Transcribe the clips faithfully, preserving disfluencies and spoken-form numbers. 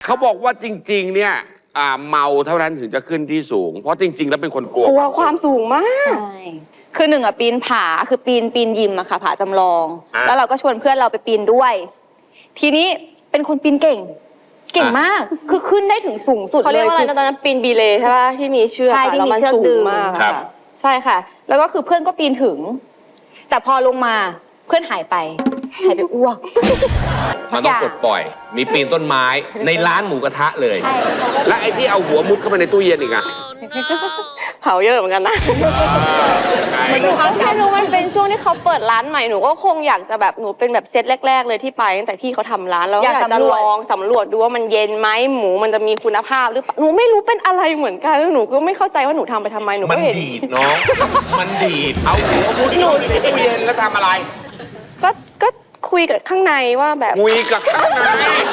เขาบอกว่าจริงๆเนี่ยอ่าเมาเท่านั้นถึงจะขึ้นที่สูงเพราะจริง ๆ แล้วเป็นคนกลัวกลัวความสูงมากใช่คือหนึ่งอะปีนผาคือปีนปีนยิมอะค่ะผาจำลอง แล้วเราก็ชวนเพื่อนเราไปปีนด้วย ทีนี้เป็นคนปีนเก่ง เก่งมากคือขึ้นได้ถึงสูงสุดเขาเรียกว่าอะไรคืนะตอนนั้นปีนบีเลย์ใช่ป่ะที่มีเชือกใช่อะที่แล้วมีมันเชือกสูดึงงมากครับค่ะใช่ค่ะ แล้วก็คือเพื่อนก็ปีนถึง แต่พอลงมาเพื่อนหายไปหายไปอ้วกมันต้องปลดปล่อย มีปีนต้นไม้ในร้านหมูกระทะเลยใช่เขาก็และไอ้ที่เอาหัวมุดเข้าไปในตู้เย็นอีกอะเผาเยอะเหมือนกันนะเหมือนกับเขาไม่รู้มันเป็นช่วงที่เขาเปิดร้านใหม่หนูก็คงอยากจะแบบหนูเป็นแบบเซตแรก ๆ เลยที่ไปตั้งแต่พี่เขาทำร้านแล้วอยากจะลองสำรวจดูว่ามันเย็นไหมหมูมันจะมีคุณภาพหรือเปล่าหนูไม่รู้เป็นอะไรเหมือนกันแล้วหนูก็ไม่เข้าใจว่าหนูทำไปทำไมหนูมัก็นเห็นดีดน้อง มันดีดเอาหัวมุดเข้าไปในตู้เย็นแล้วทำอะไรก็ก็คุยกับข้างในว่าแบบคุยกับข้างใน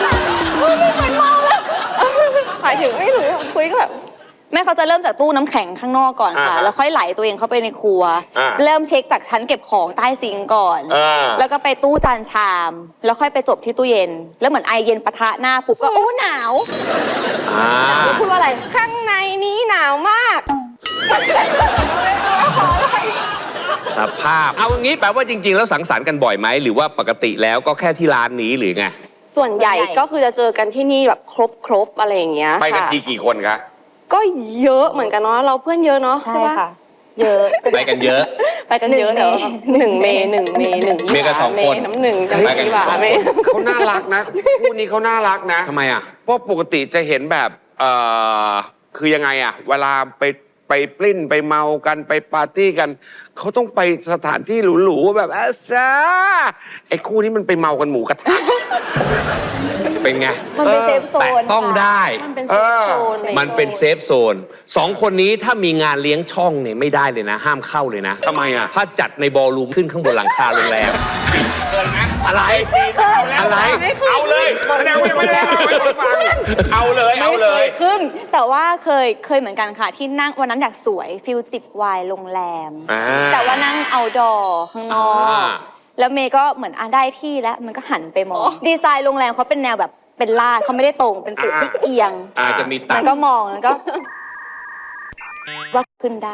หมายถึงไม่รู้คุยก็แบบแม่เขาจะเริ่มจากตู้น้ำแข็งข้างนอกก่อนค่ะ แล้วค่อยไหลตัวเองเข้าไปในครัว เริ่มเช็คจากชั้นเก็บของใต้ซิงก์ก่อนอ่าแล้วก็ไปตู้จานชาม แล้วค่อยไปจบที่ตู้เย็น แล้วเหมือนไอเย็นปะทะหน้าปุ๊บก็โอ้หนาวอ่าพูดว่าอะไรข้างในนี้หนาวมากสภาพ เอาอย่างนี้แปลว่าจริง ๆ แล้วสังสรรค์กันบ่อยไหม หรือว่าปกติแล้วก็แค่ที่ร้านนี้หรือไงส่วนใหญ่ส่วนใหญ่ก็คือจะเจอกันที่นี่แบบครบครบๆอะไรอย่างเงี้ยไปกันค่ะทีกี่คนคะก็เยอะเหมือนกันเนาะเราเพื่อนเยอะเนาะใช่ปค่ะ เยอะไปกันเยอะไปกันเยอะหนึ่เดี๋ยวงเมหนึ่งเมหนึ่งเมหนึ่งเมกันสองคนเมน้ำหนึ่งจะไปกันดีกว่าสองคนเมเขาน่ารักนะคู่นี้เขาน่ารักนะทำไมอ่ะเพราะปกติจะเห็นแบบเอ่อคือยังไงอะเวลาไปไปปลิ้นไปเมากันไปปาร์ตี้กันเขาต้องไปสถานที่หรูๆแบบอาซาไอ้คู่นี้มันไปเมากันหมูกระทะเป็นไงมันเป็นเซฟโซนแต่ต้องได้มันเป็นเอเซฟอโซนอะไรมันเป็นเซฟโซนสองคนนี้ถ้ามีงานเลี้ยงช่องเนี่ยไม่ได้เลยนะ ห้ามเข้าเลยนะทำไมอะถ้าจัดในบอลลูมขึ้นข้างบนหลังคาโรงแรม อะไร อะไรเอาเลยแสดงว่ายังไม่ได้เล่าให้ผมฟังเอาเลยเอาเลยขึ้น แต่ว่าเคยเคยเหมือนกันค่ะ ที่นั่งวันนั้นอยากสวยฟิลจิบไวน์โรงแรมอ่าแต่ว่านั่งเอาดอข้างนอกอ่าแล้วเมย์ก็เหมือนอ่ะได้ที่แล้วมันก็หันไปมอง ดีไซน์โรงแรมเขาเป็นแนวแบบเป็นลาดเขาไม่ได้ตรงเป็นตึกที่เอียงอาจจะมีตัมัดนก็มองแล้วก็ ว่าขึ้นได้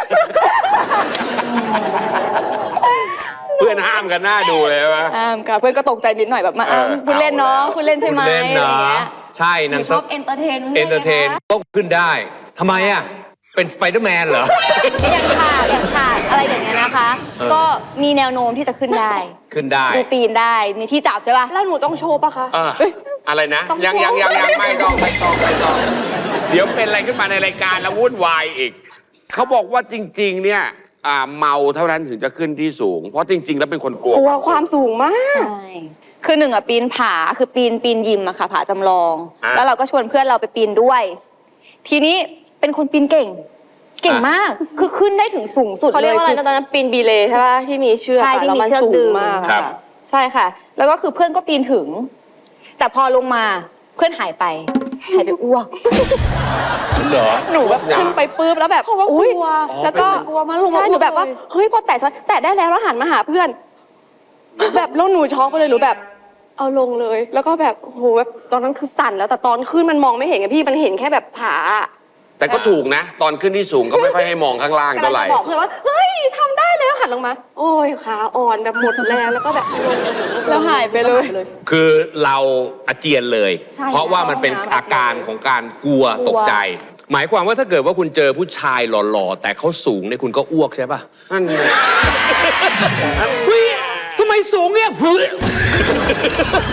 เพื่อนห้ามกันหน้าดูเลยใช่ไหมอ่าค่ะเพื่อนก็ตกใจนิดหน่อยแบบมาเอออ้าวคุณเล่นเนาะเอาแล้วคุณเล่นใช่ไหมคุณเล่นอะไรอย่างเนาะเงี้ยใช่หนังชอบเอนเตอร์เทนเอนเตอร์เทนก็ขึ้นได้ทำไมอ่ะ เป็นสไปเดอร์แมนเหรออย่างขาดอย่างขาดอะไรอย่างเงี้ยนะคะ ก็มีแนวโน้มที่จะขึ้นได้ขึ้นได้ดูปีนได้มีที่จับใช่ป่ะแล้วหนูต้องโชว์ปะคะเอออะไรนะต้องยังยังยังยังไม่ต้องไม่ต้องไม่ต้อง เดี๋ยวเป็นอะไรขึ้นมาในรายการแล้ววุ่นวายอีก เขาบอกว่าจริง ๆ เนี่ยอ่าเมาเท่านั้นถึงจะขึ้นที่สูง เพราะจริง ๆ แล้วเป็นคนกลัวกลัวความสูงมากใช่ คือหนึ่งอะปีนผาคือปีนปีนยิมอะค่ะผาจำลองอ่ะแล้วเราก็ชวนเพื่อนเราไปปีนด้วย ทีนี้เป็นคนปีนเก่ง เก่งมาก คือขึ้นได้ถึงสูงสุดเขาเรียกว่าอะไรคืนะตอนนั้นปีนบีเลย์ใช่ป่ะที่มีเชือกใช่อะที่แล้วมีมันเชือกสูดึงงมากครับค่ะใช่ค่ะ แล้วก็คือเพื่อนก็ปีนถึง แต่พอลงมาเพื่อนหายไป หายไปอ้วกเหรอหนูแบบขึ้นไปปื๊บแล้วแบบเพราะว่ากลัวอุ๊ยอ๋อแล้วก็เป็นกลัวมากลงมาใช่หนูแบบว่าเลยเฮ้ยพอแตะแตะได้แล้วแล้วหันมาหาเพื่อน แบบแล้วหนูช็อกไปเลยหนูแบบ เอาลงเลย แล้วก็แบบโอ้โหแบบตอนนั้นคือสั่นแล้วแต่ตอนขึ้นมันมองไม่เห็นไงพี่มันเห็นแค่แบบผาแต่ก็ถูกนะ ตอนขึ้นที่สูงก็ไม่ค่อยให้มองข้างล่างกำลัเท่าง ไหร่จะบอกเพื่อนว่าเฮ้ยทำได้แล้วหันลงมา โอ้ยขาอ่อนแบบหมดแรงแล้วก็แบบลงแล้วหายไปเลยคือเราอาเจียนเลยใช่เพราะว่ามันเป็นใช่อาการของการกลัวกลัวตกใจ หมายความว่าถ้าเกิดว่าคุณเจอผู้ชายหล่อๆ แต่เขาสูงเนี่ยคุณก็อ้วกใช่ปะนั่นไงเฮ้ยทำไมสูงเนี่ยเฮ้ย